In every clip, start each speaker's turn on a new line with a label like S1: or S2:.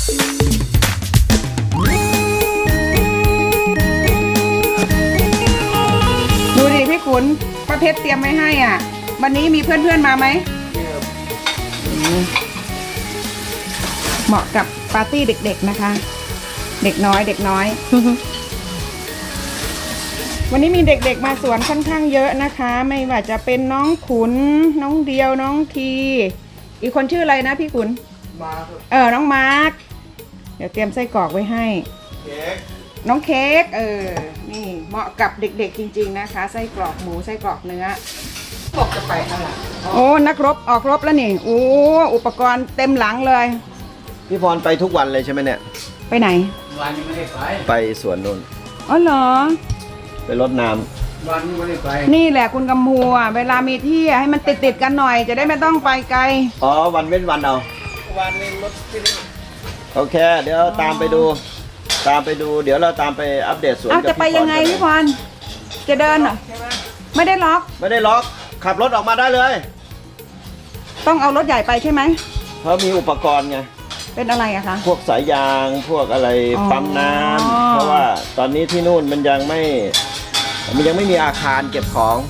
S1: ดูดิพี่ขุนป้าเพชรเตรียมไว้ให้อ่ะวันนี้มีเพื่อนๆมาไหมเหมาะกับปาร์ตี้เด็กๆนะคะเด็กน้อยเด็กน้อย วันนี้มีเด็กๆมาสวนค่อนข้างเยอะนะคะไม่ว่าจะเป็นน้องขุนน้องเดียวน้องทีอีกคนชื่ออะไรนะพี่ขุนน้องมาร์คเดี๋ยวเตรียมไส้กรอกไว้ให้น้องเค้กนี่เหมาะกับเด็กๆจริงๆนะคะไส้กรอกหมูไส้กรอกเนื้อบอกจะไปอะไรโอ้นักรบออกรบแล้วนี่โอ้อุปกรณ์เต็มหลังเลย
S2: พี่พรไปทุกวันเลยใช่ไหมเนี่ย
S1: ไปไหน
S3: วันนี้ไม่ได้
S2: ไปสวนนนท์
S1: อ๋อเหรอ
S2: ไปรดน้ำ
S3: วันนี้ไม่ได้ไป
S1: นี่แหละคุณกำพูเวลามีที่ให้มันติดกันหน่อยจะได้ไม่ต้องไปไกล
S2: อ๋อวันเว้นวันเอา
S3: วันนี้รถที่นี่
S2: โอเคเดี๋ยวตามไปดูเดี๋ยวเราตามไปอัปเดตสวน
S1: จะไปยังไงพี่พรจะเดินเหรอไม่ได้ล็อก
S2: ขับรถออกมาได้เลย
S1: ต้องเอารถใหญ่ไปใช่ไหม
S2: เพราะมีอุปกรณ์ไง
S1: เป็นอะไรอะคะ
S2: พวกสายยางพวกอะไรปั๊มน้ำเพราะว่าตอนนี้ที่นู่นมันยังไม่มีอาคารเก็บของ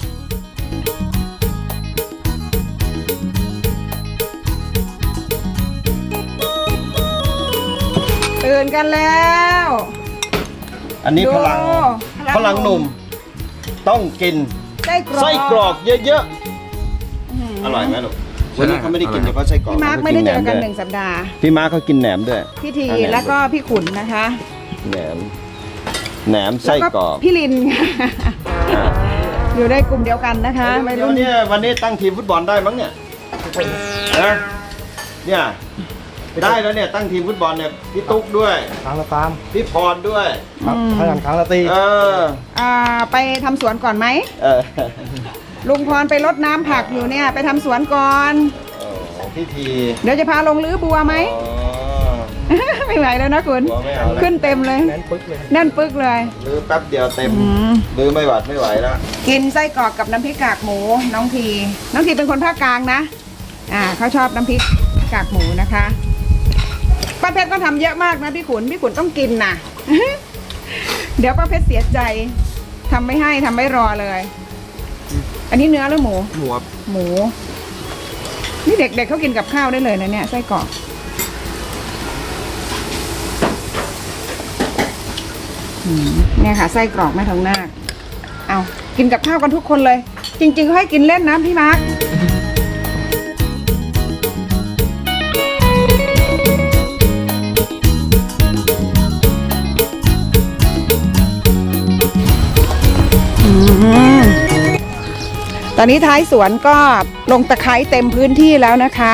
S1: ตื่นกันแล้ว
S2: อันนี้พลังหนุ่มต้องกินไส้กรอกเยอะๆอร่อยไหมลูกวันนี้เขาไม่ได้กินเฉพาะไส้กรอก
S1: พี่มาร์คไม่ได้เจอกัน1 สัปดาห์
S2: พี่มาร์คเขากินแหนมด้วย
S1: พี่ทีแล้วก็พี่ขุนนะคะ
S2: แหนมไส้กรอก
S1: พี่ลินอยู่ในกลุ่มเดียวกันนะคะ
S2: วันนี้ตั้งทีมฟุตบอลได้มั้งเนี่ยได้แล้วเนี่ยตั้งทีมฟุตบอลเนี่ยพี่ตุ๊กด้วย
S3: ครั้งละตาม
S2: พี่พรด้วย
S3: ครั้งละตี
S1: ไปทำสวนก่อนไหมลุงพรไปรดน้ำผักอยู่เนี่ยไปทำสวนก่อน
S2: พี่ที
S1: เดี๋ยวจะพาลงรื้อบัวไหมไม่ไหวแล้วนะคุณขึ้นเต็มเลยแน่นปึ๊กเลย
S2: รื้อแป๊บเดียวเต็มรื้อไม่ไหวแล้ว
S1: กินไส้กรอกกับน้ำพริกกากหมูน้องทีเป็นคนภาคกลางนะเขาชอบน้ำพริกกากหมูนะคะป้าเพชรก็ทำเยอะมากนะพี่ขุนต้องกินนะ เดี๋ยวป้าเพชรเสียใจทำไม่ให้ทำไม่รอเลยอันนี้เนื้อหรือหมูนี่เด็กๆเขากินกับข้าวได้เลยนะเนี่ยไส้กรอกเนี่ยค่ะไส้กรอกแม่ทองนาคเอากินกับข้าวกันทุกคนเลยจริงๆเขาให้กินเล่นนะพี่มาร์คตอนนี้ท้ายสวนก็ลงตะไคร้เต็มพื้นที่แล้วนะคะ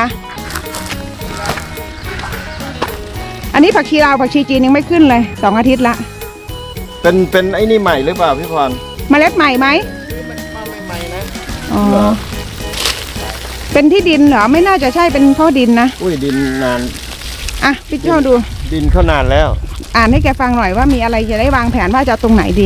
S1: อันนี้ผักชีลาวผักชีจีนยังไม่ขึ้นเลย2 อาทิตย์ละ
S2: เป็นไอ้นี่ใหม่หรือเปล่าพี่พร
S1: เมล็ดใหม่ไหม
S3: ใหม่นะ
S1: เป็นที่ดินเหรอไม่น่าจะใช่เป็นเพราะดินนะ
S2: อุ้ยดินนาน
S1: พี่เจ้าดู
S2: ดินเขานานแล้ว
S1: อ่านให้แกฟังหน่อยว่ามีอะไรจะได้วางแผนว่าจะตรงไหนดี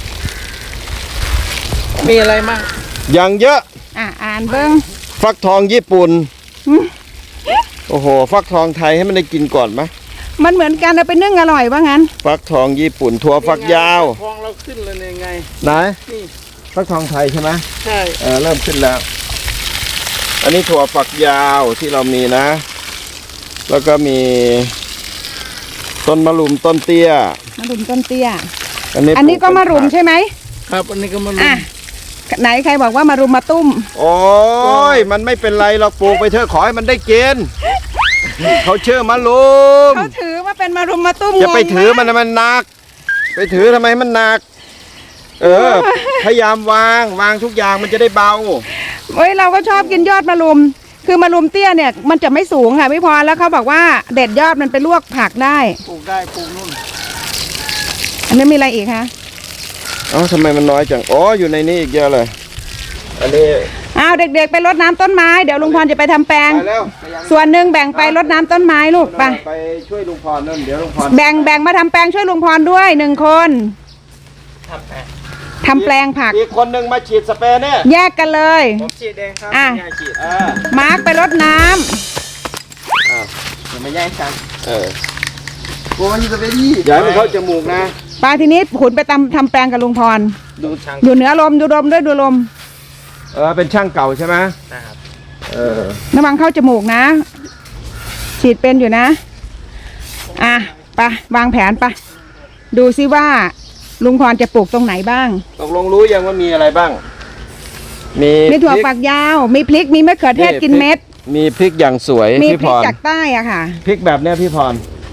S3: มีอะไรมั่ง
S2: อย่างเยอะ
S1: อ่านเบิ้ง
S2: ฟักทองญี่ปุ่นโอ้โหฟักทองไทยให้มันได้กินก่อนไหม
S1: มันเหมือนกันแต่เป็นนึ่งอร่อยว่างั้น
S2: ฟักทองญี่ปุ่นถั่วฝักยาว
S3: ทองเราขึ้นเลยยังไง
S2: ไหนนี่ฟักทองไทยใช่ไหม
S3: ใช่
S2: เริ่มขึ้นแล้วอันนี้ถั่วฝักยาวที่เรามีนะแล้วก็มีต้นมะรุมต้นเตี้ยอันนี้
S1: ก็มะรุมใช่ไหม
S3: ครับอันนี้ก็มะรุม
S1: ไหนใครบอกว่ามารุมมาตุ้ม
S2: โอ้ยมันไม่เป็นไรเราปลูกไปเถอะขอให้มันได้กินเขาเชื่อมารุม
S1: เขาถือว่าเป็นมารุมมาตุ้ม
S2: จะไปถือมันหนักไปถือทำไมมันหนักพยายามวางทุกอย่างมันจะได้เบา
S1: เราก็ชอบกินยอดมะรุมคือมะรุมเตี้ยเนี่ยมันจะไม่สูงค่ะพี่พรแล้วเขาบอกว่าเด็ดยอดมันไปลวกผักได้
S3: ปลูกนู่น
S1: อันนี้มีอะไรอีกคะ
S2: ทำไมมันน้อยจังอยู่ในนี้อีกเยอะเลยอันนี้
S1: เด็กๆไปรดน้ำต้นไม้เดี๋ยวลุงพรจะไปทำแปลงส่วนหนึ่งแบ่งไปรดน้ำต้นไม้ลูกไป
S2: ช่วยลุงพรนั่นเดี๋ยวลุงพร
S1: แบ่งมาทำแปลงช่วยลุงพรด้วย1 คนทำแปลงผัก
S2: อีกคนหนึ่งมาฉีดสเปรย์เนี่ย
S1: แยกกันเลย
S3: ผมฉีดเองครับ
S1: มาร์คไปรดน้
S2: ำอย่ามาแย่งกัน
S3: โอ้ยจะไปดี
S2: อย่าให้มันเข้าจมูกนะ
S1: ปลาทีนี้ขุนไปทำแปลงกับลุงพร
S3: ดูช่าง
S1: ดูเหนือลมดูลมด้วยดูลม
S2: เป็นช่างเก่าใช่ไหม
S3: นะครับ
S1: ระวังเข้าจมูกนะ ฉีดเป็นอยู่นะ อ่ะไปวางแผนไปดูซิว่าลุงพรจะปลูกตรงไหนบ้าง
S2: ตกลงรู้ยังว่ามีอะไรบ้าง มี
S1: มีถั่ว
S2: พริก
S1: ฝักยาว มีพริกมีมะเขือเทศกินเม็ด
S2: มีพริกอย่างสวย
S1: มี
S2: พี่
S1: พ
S2: พ
S1: ริก
S2: ร
S1: จากใต้อะค่ะ
S2: พริกแบบเนี้ยพี่พร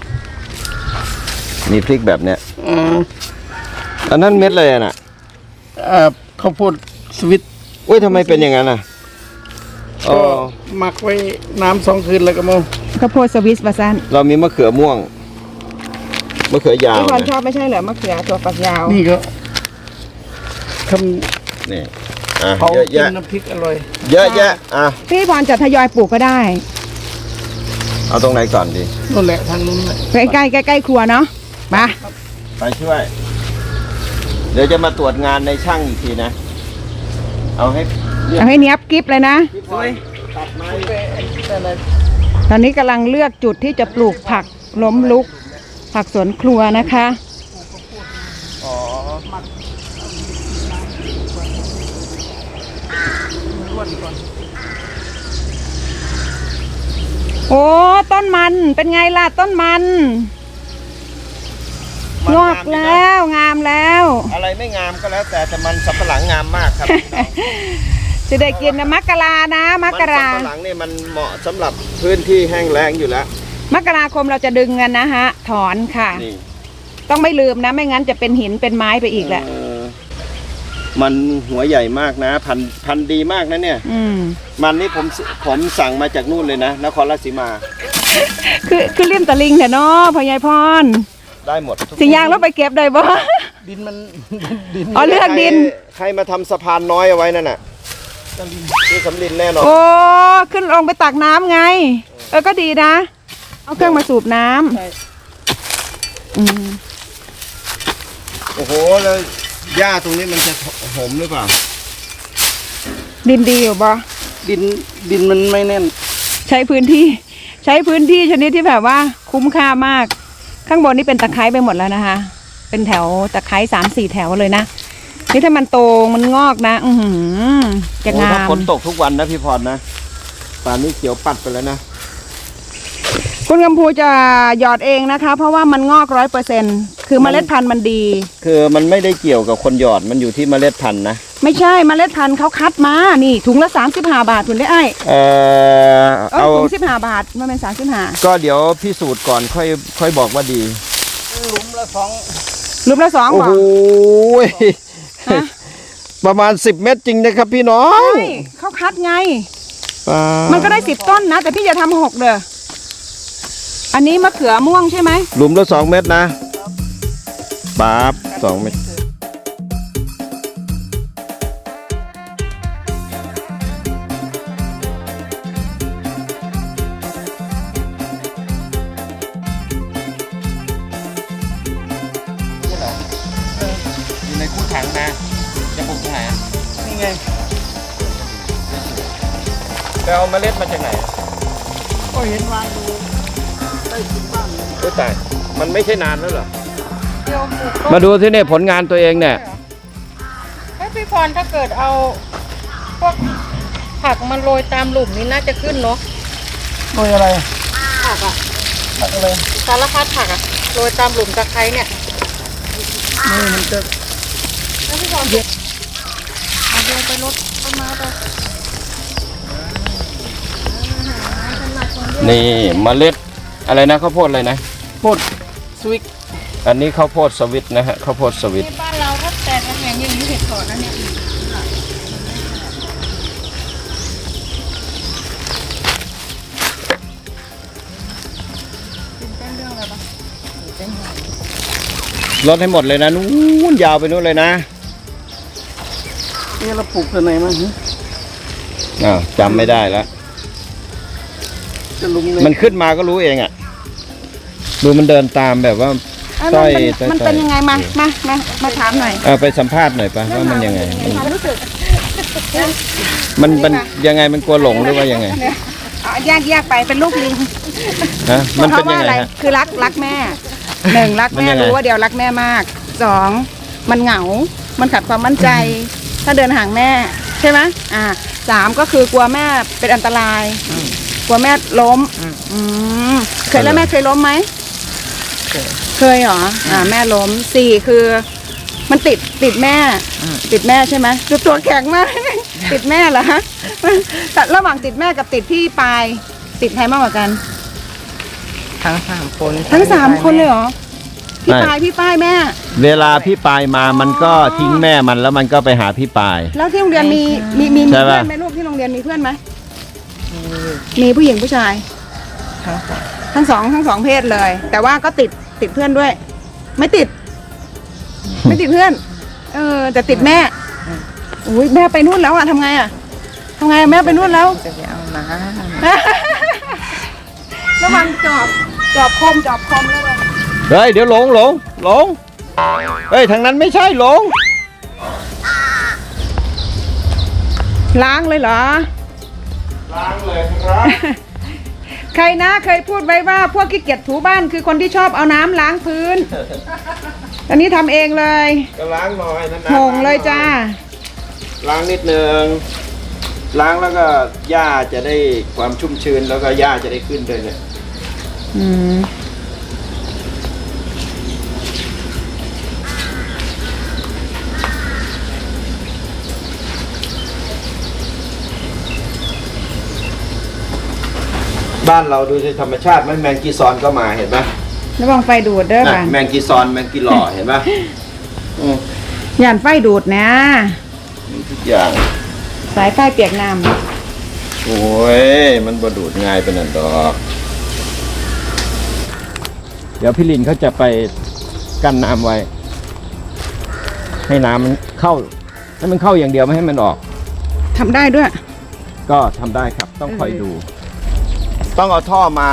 S2: มีพริกแบบเนี้ยอันนั้นเม็ดเลยน่ะ
S3: ข้าวโพดสวิต
S2: อุ้ยทำไมเป็นอย่างนั้นอ่ะอ๋อ
S3: ก็หมักไว้น้ำ2 คืนแล้วก็มา
S1: ข้าวโพดสวิสบาซัน
S2: เรามีมะเขือม่วงมะเขือยาว
S1: พี่พร
S2: นะ
S1: ชอบไม่ใช่เหรอมะเขือถั่วฝักยาว
S3: นี่ก็ท
S2: นี่อ่ะ
S3: ำเผา
S2: เยอะ
S3: กิน
S2: แยะ
S3: น้ำพริกอร่อย
S2: เยอะแยะอ่ะ
S1: พี่พรจะทยอยปลูกก็ได้
S2: เอาตรงไหนก่อนดี
S3: นั่นแหละทางนู้นแหละ
S1: ใกล้ใกล้ครัวเนาะมา
S2: ไปช่วย เดี๋ยวจะมาตรวจงานในช่างอีกทีนะ เอาให้เรียบ
S1: เอาให้เนี้ยบกิ๊บเลยนะ
S2: พี่พลอยตัดไม้
S1: ตอนนี้กำลังเลือกจุดที่จะปลูกผักล้มลุก ผักสวนครัวนะคะ
S2: อ๋อ
S1: โอ้ต้นมันเป็นไงล่ะต้นมันงอกแล้วงามแล้ว
S2: อะไรไม่งามก็แล้วแต่มันสับปะหลังงามมากครับ
S1: จะได้กินนะมกรานะมกรา
S2: มันสับปะหลังเนี่ยมันเหมาะสำหรับพื้นที่แห้งแล้งอยู่แล้ว
S1: มกราคมเราจะดึงกันนะฮะ ถอนค่ะ
S2: นี่
S1: ต้องไม่ลืมนะ ไม่งั้นจะเป็นหินเป็นไม้ไปอีกแหละ
S2: มันหัวใหญ่มากนะ พันธุ์ดีมากนะเนี่ย
S1: อืม
S2: มันนี่ผมสั่งมาจากนู่นเลยนะนครราชสีมา
S1: คือริมตะลิงเถอะเนาะพ่อใหญ่พร
S2: ได้หมดทุก
S1: สิยางแล้วไปเก็บได้บ่
S3: ดินมัน ดิน
S1: อ๋อเลือกดิน
S2: ใครมาทำสะพานน้อยเอาไว้นั่นน่ะที่สำลินแน่นอน
S1: โอ้ขึ้นลงไปตักน้ำไง ก็ดีนะ เอาเครื่องมาสูบน้ำ
S3: ใช่
S1: อืม
S2: โอ้โหแล้วหญ้าตรงนี้มันจะหอมหรือเปล่า
S1: ดินดีอยู่บ่
S3: ดินมันไม่แน่น
S1: ใช้พื้นที่ชนิดที่แบบว่าคุ้มค่ามาก ข้างบนนี่เป็นตะไคร้ไปหมดแล้วนะคะ เป็นแถวตะไคร้3-4 แถวเลยนะนี่ถ้ามันโตมันงอกนะ จะ
S2: โอ้
S1: งา
S2: ถ้าม ฝนตกทุกวันนะพี่พรนะป่านนี้เขียวปัดไปแล้วนะ
S1: คุณกำพูจะหยอดเองนะคะ เพราะว่ามันงอก100%คือเมล็ดพันธุ์มันดี
S2: คือมันไม่ได้เกี่ยวกับคนหยอดมันอยู่ที่เมล็ดพันธุ์นะ
S1: ไม่ใช่เมล็ดพันธุ์เขาคัดมานี่ถุงละ35 บาทคุณได้ไอ้
S2: เอา
S1: ถุง15 บาทมันเป็น35
S2: ก็เดี๋ยวพิสูจน์ก่อนค่อยบอกว่าดี
S3: หลุมละสอง
S1: รูปละ2
S2: โอ้
S1: บา
S2: โห
S1: ท ฮะ
S2: ประมาณ10 เม็ดจริงนะครับพี่น้อง
S1: ใช่เขาคัดไง
S2: อ่า
S1: มันก็ได้10 ต้นนะ แต่พี่อย่าทำ6เด้ออันนี้มะเขือม่วงใช่ไหม
S2: หลุมละ2 เม็ดนะปั๊บ2 เม็ดอยู่ในคู่ถังนะจะปลูกตรงไหน
S3: นี่ไง
S2: ไปเอาเมล็ดมาจากไหน
S3: ก็เห็นวางอยู่ใต้ถุนบ้านเลย
S2: โอ้ตายมันไม่ใช่นานแล้วเหรอ
S4: เดี๋ยวปลูกต้น
S2: มาดูที่นี่ผลงานตัวเองเนี่ย
S4: ให้พี่พรถ้าเกิดเอาพวกผักมันโรยตามหลุมนี้น่าจะขึ้นเนาะ
S3: โดยอะไร
S4: ผักอะ
S3: ผักอะไร
S4: สารพัดผักอะโรยตามหลุมตะไคร้เนี่ย
S3: นี่มันจะ
S4: แล้วพี่พรเดี๋ยวเอาเดินไปรดต้นไม้ไป
S2: นี่เมล็ดอะไรนะข้าวโพดอะไรนะ
S3: โพดสวิก
S2: อันนี้ข้าวโพดสวิตนะฮะข้าวโพดสวิต
S4: ที่บ้านเราถ้าแตกกันอย่างนี้เห็ดถอนนะเนี่ย
S2: ลดให้หมดเลยนะนู้นยาวไปนู้นเลยนะ
S3: นี่เราปลูกตัวไหนมาฮะ
S2: อ้าวจำไม่ได้แล้ว
S3: จะลุมใน
S2: มันขึ้นมาก็รู้เองอ่ะดูมันเดินตามแบบว่า
S1: เอ้ย
S2: ต้อย
S1: มันเป็นยังไงมาถามหน่อย
S2: ไปสัมภาษณ์หน่อยปะว่ามันยังไง
S1: ความรู้สึก
S2: มันยังไงมันกลัวหลงหรือว่ายังไง
S1: เอาแยกไปเป็นลูกลิง
S2: นะมัน
S1: เพ
S2: เป็น
S1: ราะ
S2: ยั
S1: ว่าง อะไร
S2: ไงฮะ
S1: คือรักแม่หนึ่งรัก
S2: มัน
S1: แม่
S2: ยังไง
S1: รู้ว่าเดียวรักแม่มากสองมันเหงา มันขาดความมั่นใจ ถ้าเดินห่างแม่ใช่ไหมสามก็คือกลัวแม่เป็นอันตราย กลัวแม่ล้มเคยแล้วแม่เคยล้มไหมเคยเหรอแม่ล้มสี่คือมันติดแม่ ติดแม่ใช่ไหมดูตัวแข็งมาก ติดแม่เหรอฮะแต่ระหว่างติดแม่กับติดพี่ปายติดใครมากกว่ากัน
S3: ทั้งสามคน
S1: ทั้งสามคนเลยเหรอพี่ปายพี่ป้ายแม่
S2: เวลาพี่ปายมามันก็ทิ้งแม่มันแล้วมันก็ไปหาพี่ปาย
S1: แล้วที่โรงเรียนมี
S2: ใช่
S1: เพื่
S2: ปะ
S1: อนไหมลูกที่โรงเรียนมีเพื่อนไหมมีผู้หญิงผู้ชาย
S3: ทั้งสอง
S1: ทั้งสองเพศเลย แต่ว่าก็ติดเพื่อนด้วย ไม่ติดเพื่อน แต่ติดแม่อุ้ยแม่ไปนู่นแล้วทำไงทำไงแม่ไปนู่นแล้ว
S3: จะไปเอาน้
S1: ระวังจอบคมแล้วเลย
S2: เฮ้ยเดี๋ยวหลงเฮ้ยทางนั้นไม่ใช่หลง
S1: ล้างเลยเหรอ
S2: ล้างเลยครับ
S1: ใครนะเคยพูดไว้ว่าพวกขี้เกียจถูบ้านคือคนที่ชอบเอาน้ำล้างพื้น ตอนนี้ทำเองเลย
S2: ก็ล้างหน่อยนะ
S1: โหงเลยจ้า
S2: ล้างนิดนึงล้างแล้วก็หญ้าจะได้ความชุ่มชื้นแล้วก็หญ้าจะได้ขึ้นด้วยเนี่ย บ้านเราดูในธรรมชาติไหมแมงกีซอนก็มาเห็นไหม
S1: ระวังไฟดูดเด้อ
S2: น่ะ
S1: ค่ะ
S2: แมงกีซอนแมงกีหล่อเห็นไหม
S1: ย่านไฟดูดนะ
S2: มีทุกอย่าง
S1: สายไฟเปียกน้
S2: โอ้ยมันบดูดง่ายเป็นอันดอกเดี๋ยวพี่ลินเขาจะไปกั้นน้ำไว้ ให้น้ำมันเข้าให้มันเข้าอย่างเดียวไม่ให้มันออก
S1: ำทำได้ด้วย
S2: ก็ทำได้ครับต้องคอยดู ต้องเอาท่อมา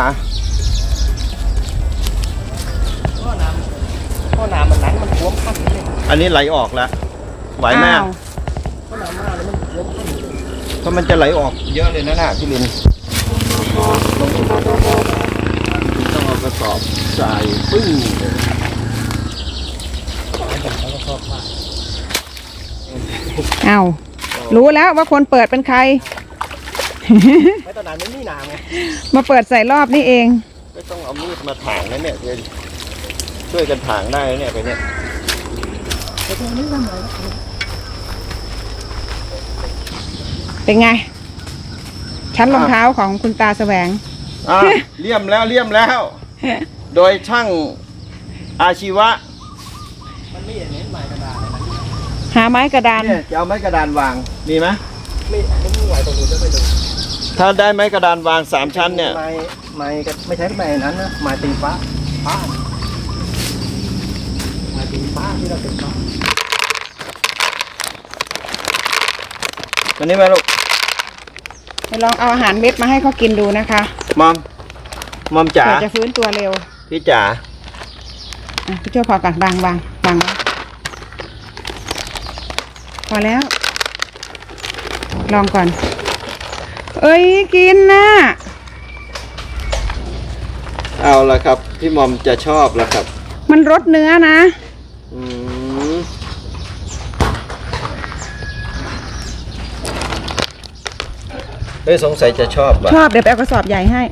S3: ำพ่อน้ำมันนั้นมันท่วมขั้นนี่
S2: อันนี้ไหลออกแล้วไหวไหม
S1: อ้าว
S3: พ่อน้ำมาแล้วมันท่วมขั้น
S2: เพราะมันจะไหลออกเยอะเลยนะพี่ลินต้องเอากระสอบใส่ปึ้ง
S1: อ้าวรู้แล้วว่าคนเปิดเป็นใคร
S3: ไม่ตอนนั้นไม่มีน้ำไง
S1: มาเปิดใส่รอบนี่เอง
S2: ไม่ต้องเอามีดมาถางนะเนี่ยเดี๋ยวช่วยกันถางได้นะเนี่ยไปเนี่ย
S1: เป็นไง ชั้นรองเท้าของคุณตาแสวง
S2: เลี่ยมแล้ว โดยช่างอาชีวะ
S3: มันไม่อย่างนี้หมายกระดาษเลยนะ
S1: หาไม้กระดาน
S2: เนี่ยจะเอาไม้กระดานวางมีไหม
S3: ไม่มีไหวตรงนู้นจะไปดู
S2: ถ้าได้ไม้กระดานวาง3 ชั้นเนี่ย
S3: ไม้ก็ไม่ใช่ไม้นั้นนะไม้ตีฟ้าไม้ตีฟ้าที่เราตีฟ้า
S2: วันนี้มาลูก
S1: ไปลองเอาอาหารเม็ดมาให้เขากินดูนะคะ
S2: มอมจ๋า
S1: เผื่อจะฟื้นตัวเร็ว
S2: พี่จ๋า
S1: พี่ช่วยพอกันบางไว้พอแล้ว ลองก่อน เอ้ยกินนะ
S2: เอาละครับพี่มอมจะชอบแล้วครับ
S1: มันรสเนื้อนะ
S2: อืมเฮ้ยสงสัยจะชอบว่ะ
S1: ชอบเดี๋ยวไปเอากระสอบใหญ่ให้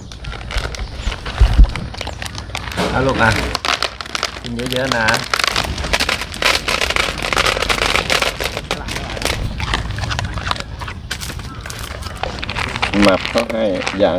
S2: เอาลูกอ่ะกินเยอะๆนะหมับเข้าให้อย่าง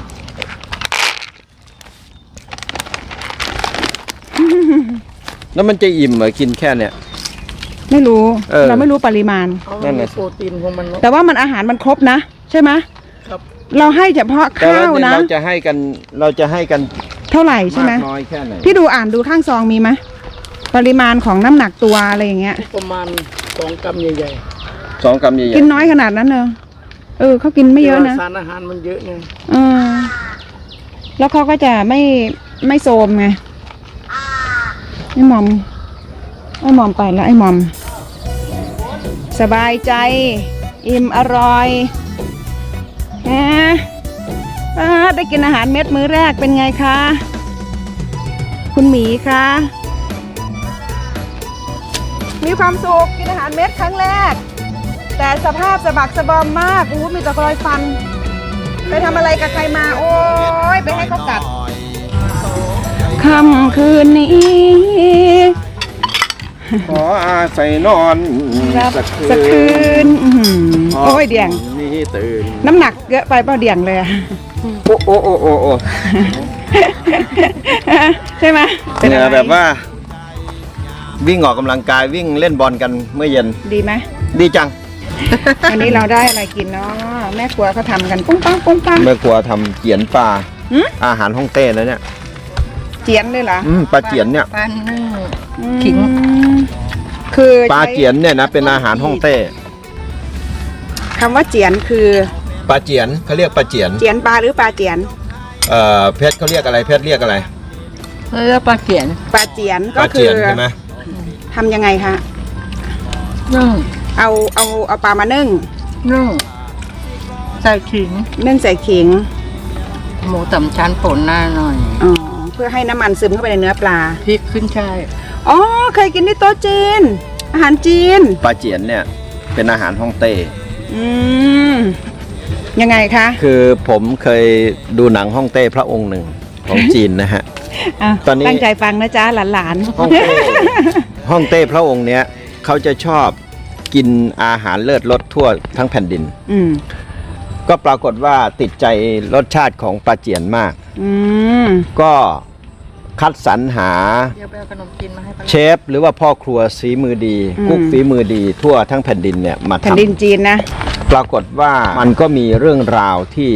S2: แล้วมันจะอิ่มเหรอกินแค่เนี้ย
S1: ไม่รู้
S2: เรา
S1: ไม่รู้ปริมาณ
S2: นั่นน่ะ
S3: โปรตีนของมัน
S1: แต่ว่ามันอาหารมันครบนะ ใช่ไหม
S3: ครับ
S1: เราให้เฉพาะ
S2: แต่
S1: ข้าว
S2: ว่า
S1: นะ
S2: เราจะให้กัน
S1: เท่าไหร่ใช่ไหม
S2: มากน้อยแค่ไหน
S1: พี่ดูอ่านดูข้างซองมีไหมปริมาณของน้ำหนักตัวอะไรอย่างเงี้ย
S3: ประมาณ2 กรัมใหญ่
S2: 2 กรัมใหญ่
S1: กินน้อยขนาดนั้นเนอะเขากิน
S3: ๆ
S1: ไม่เยอะนะ
S3: สารอาหารมันเยอะไง
S1: แล้วเขาก็จะไม่โซมไงไอ้หมอมไปแล้วไอ้หมอม สบายใจ อิ่มอร่อยฮะได้กินอาหารเม็ดมื้อแรกเป็นไงคะ คุณหมีคะมีความสุขกินอาหารเม็ดครั้งแรก แต่สภาพสะบักสะบอมมากอู้มีแต่รอยฟัน ไปทำอะไรกับใครมา โอ้ยไปให้เขากัดค่ำคืนนี้
S2: ขออาศัยนอนสัก
S1: สัก
S2: คื
S1: คื
S2: น
S1: นโอ้ยเดี่ยง
S2: นี่ตื่น
S1: น้ำหนักเยอะไปเปล่าเดี่ยงเลยอะ
S2: โอ้โอ้โอ้โอ้โอ้
S1: ใช่ไหม
S2: เนี่ยแบบว่า วิ่งออกกำลังกายวิ่งเล่นบอลกันเมื่อเย็น
S1: ดีไหม
S2: ดีจัง
S1: วันนี้เราได้อะไรกินเนาะแม่ครัวเขาทำกันปุ้งปังปุ้งปัง
S2: แม่ครัวทำเจียนปลา
S1: หืม
S2: อาหารฮ่องเต้แล้วเนี่ย
S1: เจียนด้วยเหรอ
S2: ปลาเจียนเนี่ย
S4: ปลานึ่ง
S1: อืม
S4: ขิง
S1: คือ
S2: ปลาเจียนเนี่ยนะเป็นอาหารฮ่องเต้
S1: คำว่าเจียนคือ
S2: ปลาเจียนเขาเรียกปลาเจียน
S1: เจียนปลาหรือปลาเจียน
S2: เพชรเขาเรียกอะไรเพชรเรียกอะไร
S4: แล้วปลาเขียน
S1: ปลาเจียน
S2: ป
S1: ก็
S2: ลา
S1: คื
S2: เจี
S1: อย
S2: นใช่ไหม
S1: ทำยังไงคะ
S4: นึ่ง
S1: เอาปลามานึ่ง
S4: นึ่งใส่ขิง
S1: นึ่งใส่ขิง
S4: หมูสามชั้นป่นหน้าหน่อย
S1: อ๋อเพื่อให้น้ำมันซึมเข้าไปในเนื้อปลา
S4: พริกขึ้นช่าย
S1: อ๋อเคยกินที่โต๊ะจีน อาหารจีน
S2: ปลาเจียนเนี่ยเป็นอาหารฮ่องเต้
S1: อืมยังไงคะ
S2: คือผมเคยดูหนังฮ่องเต้พระองค์หนึ่งของจีนนะฮะ
S1: อ่ะ
S2: ตอนนี้
S1: ตั้งใจฟังนะจ๊ะหลาน
S2: ฮ่องเต้ ฮ่องเต้พระองค์เนี้ยเขาจะชอบกินอาหารเลิศรสทั่วทั้งแผ่นดิน
S1: อืม
S2: ก็ปรากฏว่าติดใจรสชาติของปลาเจียนมาก
S1: อืม
S2: ก็คัดสรรหา
S4: เดี๋ยวไปเอาขนมจีนมาให้ป้า
S2: เชฟหรือว่าพ่อครัวฝีมือดีกุ๊กฝีมือดีทั่วทั้งแผ่นดินเนี่ยมา
S1: แผ่น
S2: ทำ
S1: ดินจีนนะ
S2: ปรากฏว่ามันก็มีเรื่องราวที่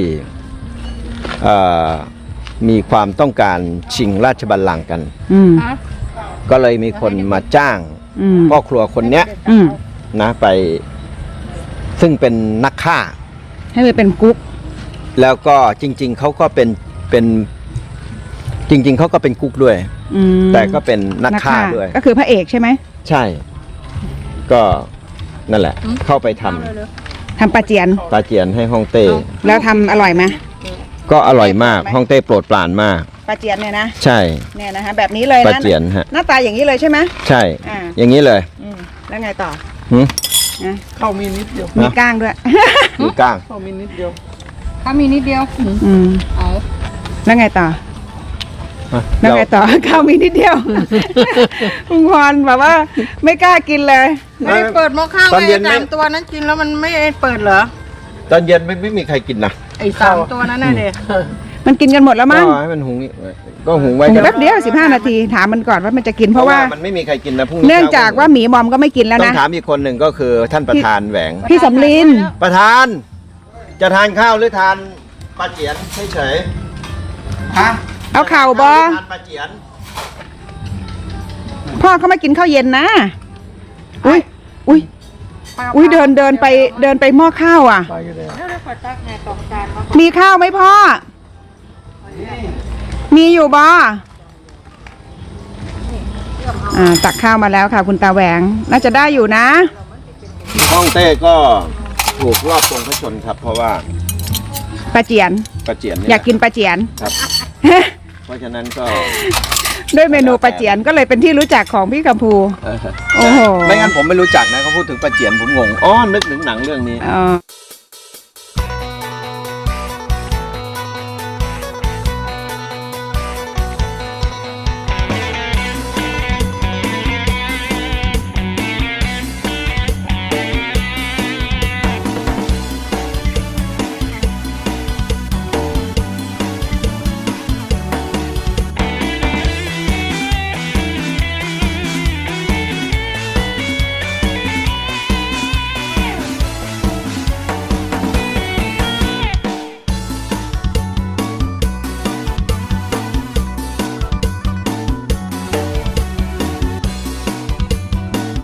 S2: มีความต้องการชิงราชบัลลังก์กัน
S1: อืม
S2: ก็เลยมีคนมาจ้าง
S1: อืม
S2: พ่อครัวคนเนี้ย
S1: อืม
S2: นะไปซึ่งเป็นนักฆ่า
S1: ให้มันเป็นกุ๊ก
S2: แล้วก็จริง ๆเขาก็เป็นจริง ๆเขาก็เป็นกุ๊กด้วย
S1: อืม
S2: แต่ก็เป็นนักฆ่าด้วย
S1: ก็คือพระเอกใช่ไหม
S2: ใช่ ก็นั่นแหละ เข้าไปทำ
S1: ทำปลาเจียน
S2: ปลาเจียนให้ฮ่องเต้
S1: แล้วทำอร่อยไหม
S2: ก็อร่อยมากฮ่องเต้โปรดปรานมาก
S1: ปลาเจียนเนี่ยนะ
S2: ใช่
S1: เนี่ยนะคะแบบนี้เลย
S2: ปลา
S1: นะ
S2: เจียนฮะ
S1: หน้าตาอย่างนี้เลยใช่ไหม
S2: ใช่
S1: อ่า
S2: อย่างนี้เลย
S1: อืมแล้วไงต่อ
S2: หืม
S1: นะ
S3: เข้ามีนิดเดียว
S1: มีก้างด้วย
S2: มีก้าง
S3: เข้ามีนิดเดียว
S4: ถ้ามีนิดเดียว
S1: อืม
S4: เอา
S1: แล้วไงต่อ แล้วไงต่อ ข้าวมีนิดเดียว คุณพรแบบว่าไม่กล้ากินเลย
S4: ไม่ได้เปิดหม้อข้าว
S2: ตอน
S4: ไง
S2: เย็น
S4: สามตัวนั้นกินแล้วมันไม่เปิดเหรอ
S2: ตอนเย็นไม่มีใครกินนะ
S4: ไอ้สามตัวนั้นน่ะเด็ก
S1: มันกินกันหมดแล้วมั้ง
S2: ก็ให้มันหุงก็หุงไว้
S1: หุง
S2: กัน
S1: แป๊บเดียว15 นาทีถามมันก่อนว่ามันจะกินเพราะว่า
S2: มันไม่มีใครกินนะพรุ่งนี้
S1: เนื่องจากว่าหมีมอมก็ไม่กินแล้ว
S2: ต้อ
S1: นะ
S2: งถามอีกคนหนึ่งก็คือท่านประธานแหวง
S1: พี่สำลิน
S2: ประธาน จะทานข้าวหรือทานปลาเจียนเฉยๆฮะ
S1: เอาข่าวบอ
S2: ทานปลาเจียน
S1: พ่อเขาไม่กินข้าวเย็นนะ อุ้ยอุ้ยอุ้ยเดินไปหม้อข้าวอ่ะ
S3: ไปกันเลย
S4: แล้วได้ขอตักไงสองจานมา
S1: มีข้าวไหมพ่อ มีอยู่บอตักข้าวมาแล้วค่ะ คุณตาแหวง น่าจะได้อยู่นะ
S2: ฮ่องเต้ก็ถูกรอบทรงพระชนครับ เพราะว่า
S1: ปลาเจียน
S2: ปลาเจียนเนี่
S1: อยากกินปลาเจียน
S2: ครับ เพราะฉะนั้นก็
S1: ด้วยเมนูปลาเจียนก็เลยเป็นที่รู้จักของพี่กัมพู โอ้โห
S2: ไม่งั้นผมไม่รู้จักนะเขาพูดถึงปลาเจียนผมงงอ๋อนึกถึงหนังเรื่องนี้
S1: อ๋อ